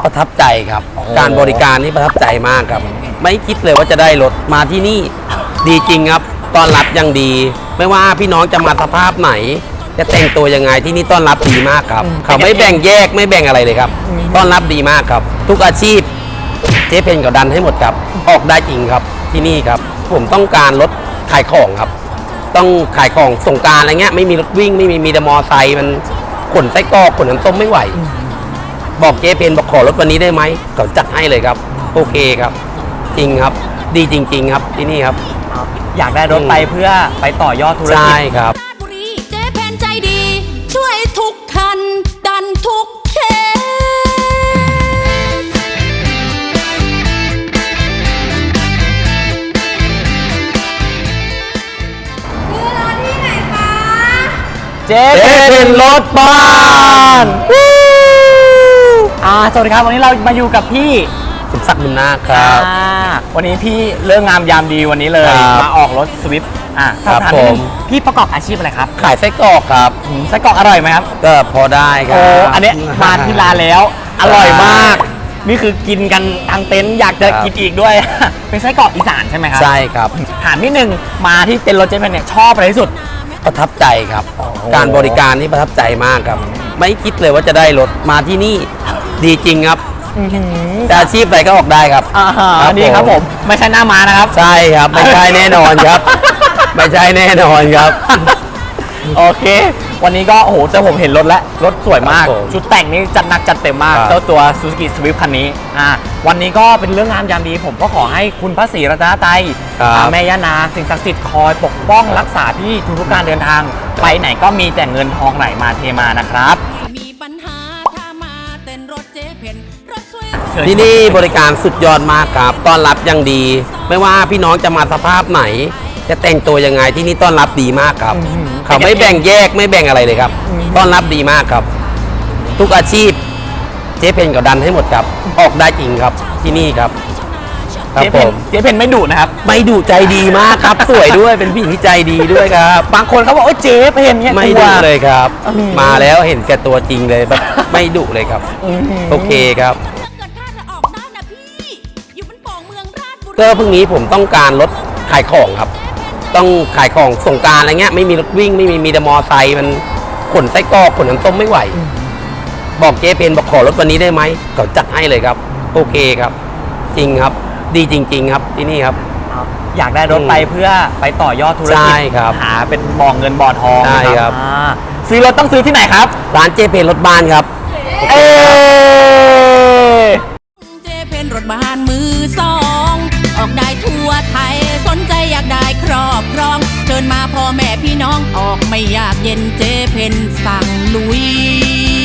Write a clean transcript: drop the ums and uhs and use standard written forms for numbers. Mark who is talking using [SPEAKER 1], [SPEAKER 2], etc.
[SPEAKER 1] ประทับใจครับการบริการนี่ประทับใจมากครับไม่คิดเลยว่าจะได้รถมาที่นี่ดีจริงครับต้อนรับอย่างดี ไม่ว่าพี่น้องจะมาสภาพไหน จะแต่งตัวยังไงที่นี่ต้อนรับดีมากครับเขาไม่แบ่งแยกไม่แบ่งอะไรเลยครับต้อนรับดีมากครับทุกอาชีพเจ๊เพนก็ดันให้หมดครับออกได้จริงครับที่นี่ครับผมต้องการรถขายของครับต้องขายของสงกรานต์อะไรเงี้ยไม่มีรถวิ่งไม่มีแต่มอไซค์มันขนไส้กรอกขนน้ำส้มไม่ไหวบอกเจ๊เพนบอกขอรถวันนี้ได้ไหมเขาจัดให้เลยครับโอเคครับจริงครับดีจริงๆครับที่นี่ครับ
[SPEAKER 2] อยากได้รถไปเพื่อไปต่อยอดธุรกิจ
[SPEAKER 1] ใช่ครับ
[SPEAKER 3] บุรีเจ๊เพนใจดี ช่วยทุกคันดันทุกเค
[SPEAKER 4] คือรถที่ไหนคะ
[SPEAKER 2] เจ๊เป็นรถบ้านสวัสดีครับวันนี้เรามาอยู่กับพี่
[SPEAKER 1] สมศักดิ์บุญนาคครับ
[SPEAKER 2] วันนี้พี่เรื่องงามยามดีวันนี้เลยมาออกรถสวิฟต์
[SPEAKER 1] ครับผม
[SPEAKER 2] พี่ประกอบอาชีพอะไรครับ
[SPEAKER 1] ขายไส้กรอกครับ
[SPEAKER 2] ไส้กรอกอร่อยไหมครับ
[SPEAKER 1] ก็พอได้ครับ
[SPEAKER 2] อันนี้มาที่ร้านแล้วอร่อยมากนี่คือกินกันทางเต็นท์อยากจะกินอีกด้วยเป็นไส้กรอกอีสานใช่ไหมครับ
[SPEAKER 1] ใช่ครับ
[SPEAKER 2] ถามนิดนึงมาที่เต็นท์รถเจ๊เพนเนี่ยชอบอะไรที่สุด
[SPEAKER 1] ประทับใจครับการบริการนี่ประทับใจมากครับไม่คิดเลยว่าจะได้รถมาที่นี่ดีจริงครับแต่อาชีพอะไรก็ออกได้ครับ
[SPEAKER 2] นี่ครับผมไม่ใช่หน้าม้านะครับ
[SPEAKER 1] ใช่ครับไม่ใช่แน่นอนครับไม่ใช่แน่นอนครับ
[SPEAKER 2] โอเควันนี้ก็โอ้โหแต่ผมเห็นรถแล้วรถสวยมากชุดแต่งนี่จัดหนักจัดเต็มมากเจ้าตัว Suzuki Swift คันนี้วันนี้ก็เป็นเรื่องงามยามดีผมก็ขอให้คุณพระศรีรัตนตรัยแม่ย่านางสิ่งศักดิ์สิทธิ์คอยปกป้องรักษาพี่ทุกการเดินทางไปไหนก็มีแต่เงินทองไหลมาเทมานะครับ
[SPEAKER 3] มีปัญหาถ้ามาเต้นรถเจ๊เพนรถสวย
[SPEAKER 1] ที่นี่บริการสุดยอดมากครับต้อนรับอย่างดี ไม่ว่าพี่น้องจะมาสภาพไหน จะแต่งตัวยังไงที่นี่ต้อนรับดีมากครับเขาไม่แบ่งแยกไม่แบ่งอะไรเลยครับต้อนรับดีมากครับทุกอาชีพเจ๊เพนก็ดันให้หมดครับออกได้จริงครับที่นี่ครับ
[SPEAKER 2] เจ๊เพนไม่ดุนะครับ
[SPEAKER 1] ไม่ดุใจดีมากครับสวยด้วยเป็นผู้หญิงที่ใจดีด้วยครับ
[SPEAKER 2] บางคนเขาบอกว่าเจ๊เพนเนี่ย
[SPEAKER 1] ไม่ดุเลยครับมาแล้วเห็นแก่ตัวจริงเลยแบบไม่ดุเลยครับโอเคครับก็พรุ่งนี้ผมต้องการรถขายของครับต้องขายของสงกรานต์อะไรเงี้ยไม่มีรถวิ่งไม่มีแต่มอไซค์มันขนไส้กรอกขนน้ำส้มไม่ไหวบอกเจ๊เพนบอกขอรถวันนี้ได้ไหมเขาจัดให้เลยครับโอเคครับจริงครับดีจริงๆครับที่นี่ครับ
[SPEAKER 2] อยากได้รถไปเพื่อไปต่อยอดธุรกิจหาเป็นบ่อเงินบ่อทอง
[SPEAKER 1] ใช่ครับ
[SPEAKER 2] ซื้อรถต้องซื้อที่ไหนครับ
[SPEAKER 1] ร้านเจ๊เพนรถบ้านครับ
[SPEAKER 3] เจ๊เพนรถบ้านมือสองออกได้ทั่วไทยสนใจอยากได้ครอบครองเชิญมาพ่อแม่พี่น้องออกไม่อยากเย็นเจ๊เพนสั่งลุย